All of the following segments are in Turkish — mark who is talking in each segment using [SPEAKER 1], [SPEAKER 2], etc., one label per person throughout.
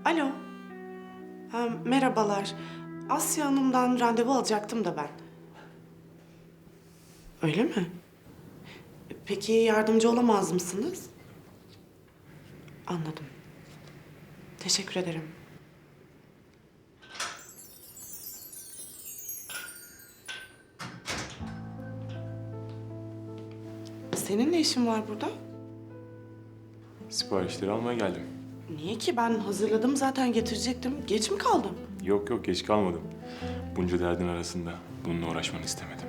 [SPEAKER 1] Alo. Merhabalar. Asya Hanım'dan randevu alacaktım da ben. Öyle mi? Peki yardımcı olamaz mısınız? Anladım. Teşekkür ederim. Senin ne işin var burada?
[SPEAKER 2] Siparişleri almaya geldim.
[SPEAKER 1] Niye ki? Ben hazırladım zaten getirecektim. Geç mi kaldım?
[SPEAKER 2] Yok yok geç kalmadım. Bunca derdin arasında bununla uğraşmanı istemedim.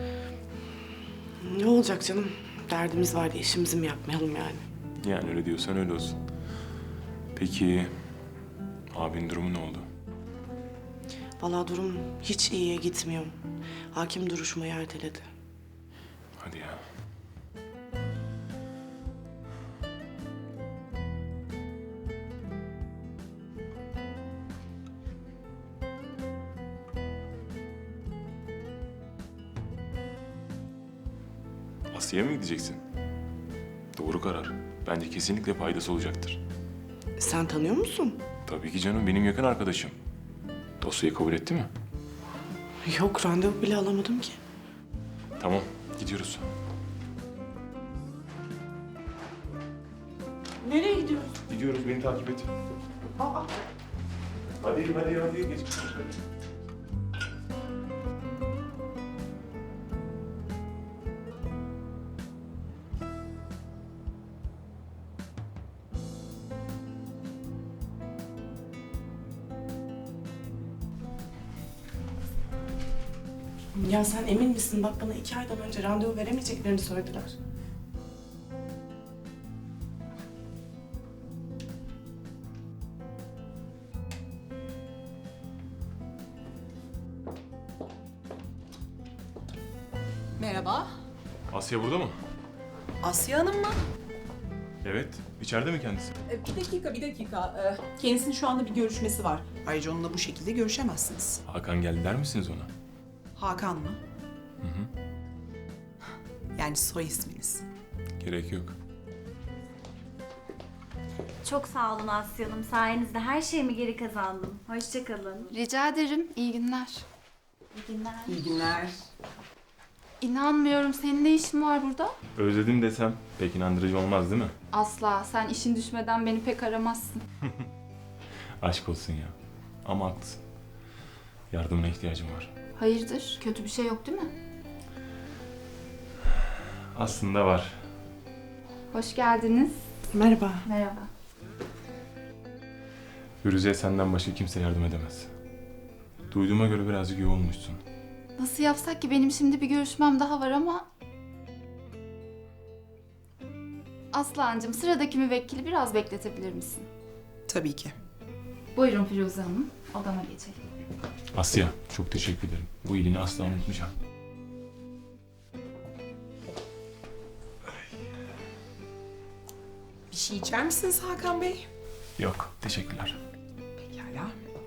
[SPEAKER 1] Ne olacak canım? Derdimiz var diye işimizi mi yapmayalım yani?
[SPEAKER 2] Yani öyle diyorsan öyle olsun. Peki abinin durumu ne oldu?
[SPEAKER 1] Vallahi durum hiç iyiye gitmiyor. Hakim duruşmayı erteledi.
[SPEAKER 2] Hadi ya. Asya'ya mı gideceksin? Doğru karar. Bence kesinlikle faydası olacaktır.
[SPEAKER 1] Sen tanıyor musun?
[SPEAKER 2] Tabii ki canım, benim yakın arkadaşım. Dosyayı kabul etti mi?
[SPEAKER 1] Yok, randevu bile alamadım ki.
[SPEAKER 2] Tamam, gidiyoruz.
[SPEAKER 1] Nereye gidiyoruz?
[SPEAKER 2] Gidiyoruz, beni takip et.
[SPEAKER 1] Aa,
[SPEAKER 2] Hadi, geç.
[SPEAKER 1] ya sen emin misin? Bak bana 2 aydan önce randevu veremeyeceklerini söylediler.
[SPEAKER 3] Merhaba.
[SPEAKER 2] Asya burada mı?
[SPEAKER 3] Asya Hanım mı?
[SPEAKER 2] Evet, içeride mi kendisi?
[SPEAKER 3] Bir dakika. Kendisinin şu anda bir görüşmesi var. Ayrıca onunla bu şekilde görüşemezsiniz.
[SPEAKER 2] Hakan geldi der misiniz ona?
[SPEAKER 3] Hakan mı? Yani soy isminiz.
[SPEAKER 2] Gerek yok.
[SPEAKER 4] Çok sağ olun Asya Hanım. Sayenizde her şeyimi geri kazandım. Hoşça kalın.
[SPEAKER 5] Rica ederim. İyi günler.
[SPEAKER 4] İyi günler.
[SPEAKER 3] İyi günler.
[SPEAKER 5] İnanmıyorum. Senin ne işin var burada?
[SPEAKER 2] Özledim desem pek inandırıcı olmaz değil mi?
[SPEAKER 5] Asla. Sen işin düşmeden beni pek aramazsın.
[SPEAKER 2] Aşk olsun ya. Ama haklısın. Yardımına ihtiyacım var.
[SPEAKER 5] Hayırdır? Kötü bir şey yok değil mi?
[SPEAKER 2] Aslında var.
[SPEAKER 5] Hoş geldiniz.
[SPEAKER 1] Merhaba.
[SPEAKER 5] Merhaba.
[SPEAKER 2] Firuze'ye senden başka kimse yardım edemez. Duyduğuma göre birazcık yoğunmuşsun.
[SPEAKER 5] Nasıl yapsak ki? Benim şimdi bir görüşmem daha var ama... Aslancığım, sıradaki müvekkili biraz bekletebilir misin?
[SPEAKER 3] Tabii ki.
[SPEAKER 5] Buyurun Firuze Hanım. Odama geçelim.
[SPEAKER 2] Asya, çok teşekkür ederim. Bu iyiliğini asla unutmayacağım.
[SPEAKER 3] Bir şey içer misiniz Hakan Bey?
[SPEAKER 2] Yok, teşekkürler.
[SPEAKER 3] Pekala.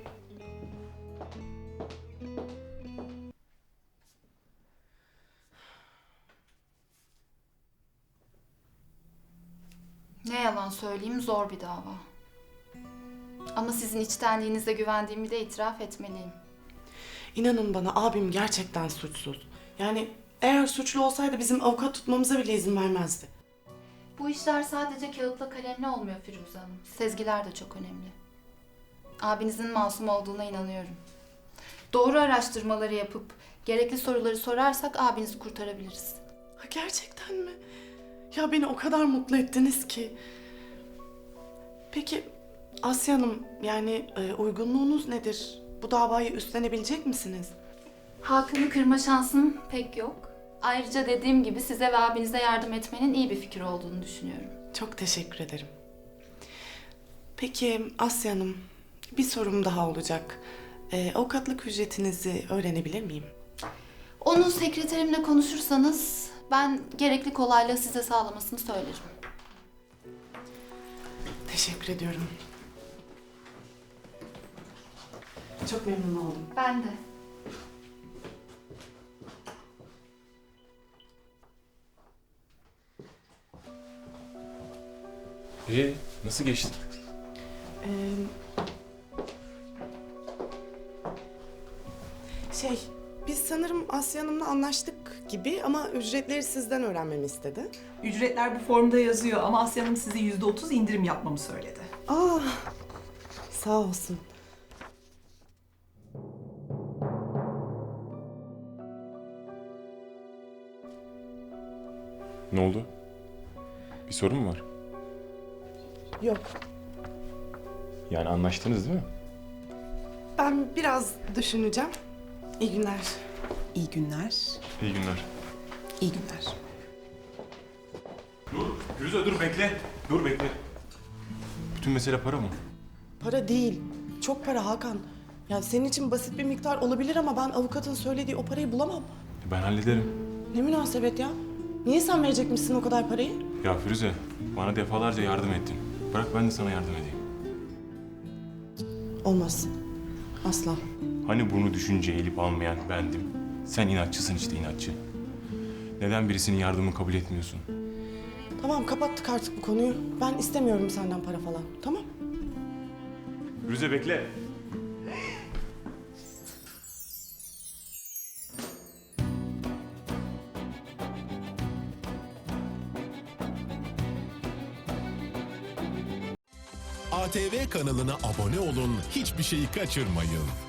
[SPEAKER 5] Ne yalan söyleyeyim, zor bir dava. Ama sizin içtenliğinize güvendiğimi de itiraf etmeliyim.
[SPEAKER 1] İnanın bana, abim gerçekten suçsuz. Yani eğer suçlu olsaydı bizim avukat tutmamıza bile izin vermezdi.
[SPEAKER 5] Bu işler sadece kağıtla kalemle olmuyor Firuze Hanım. Sezgiler de çok önemli. Abinizin masum olduğuna inanıyorum. Doğru araştırmaları yapıp gerekli soruları sorarsak abinizi kurtarabiliriz.
[SPEAKER 1] Ha, gerçekten mi? Ya beni o kadar mutlu ettiniz ki. Peki Asya Hanım, yani uygunluğunuz nedir? Bu davayı üstlenebilecek misiniz?
[SPEAKER 5] Hakan'ı kırma şansım pek yok. Ayrıca dediğim gibi size ve abinize yardım etmenin iyi bir fikir olduğunu düşünüyorum.
[SPEAKER 1] Çok teşekkür ederim. Peki Asya Hanım, bir sorum daha olacak. Avukatlık ücretinizi öğrenebilir miyim?
[SPEAKER 5] Onu sekreterimle konuşursanız ben gerekli kolaylığı size sağlamasını söylerim.
[SPEAKER 1] Teşekkür ediyorum. Çok memnun oldum.
[SPEAKER 5] Ben de.
[SPEAKER 2] Nasıl geçti?
[SPEAKER 1] Ee, Biz sanırım Asya Hanım'la anlaştık gibi ama ücretleri sizden öğrenmemi istedi.
[SPEAKER 3] Ücretler bu formda yazıyor ama Asya Hanım size %30 indirim yapmamı söyledi.
[SPEAKER 1] Aa, sağ olsun.
[SPEAKER 2] Ne oldu? Bir sorun mu var?
[SPEAKER 1] Yok,
[SPEAKER 2] Yani anlaştınız değil mi?
[SPEAKER 1] ben biraz düşüneceğim. İyi günler.
[SPEAKER 3] İyi günler.
[SPEAKER 2] İyi günler.
[SPEAKER 3] İyi günler.
[SPEAKER 2] Dur, Firuze dur bekle. Dur bekle. Bütün mesele para mı?
[SPEAKER 1] Para değil, çok para Hakan. Ya senin için basit bir miktar olabilir ama ben avukatın söylediği o parayı bulamam.
[SPEAKER 2] Ben hallederim.
[SPEAKER 1] Ne münasebet ya? Niye sen verecekmişsin o kadar parayı?
[SPEAKER 2] Ya Firuze, bana defalarca yardım ettin. Bırak ben de sana yardım edeyim.
[SPEAKER 1] Olmaz. Asla.
[SPEAKER 2] Hani bunu düşünce eğilip almayan bendim. Sen inatçısın işte inatçı. Neden birisinin yardımını kabul etmiyorsun?
[SPEAKER 1] Tamam, kapattık artık bu konuyu. Ben istemiyorum senden para falan. Tamam?
[SPEAKER 2] Firuze bekle.
[SPEAKER 6] ATV kanalına abone olun, hiçbir şeyi kaçırmayın.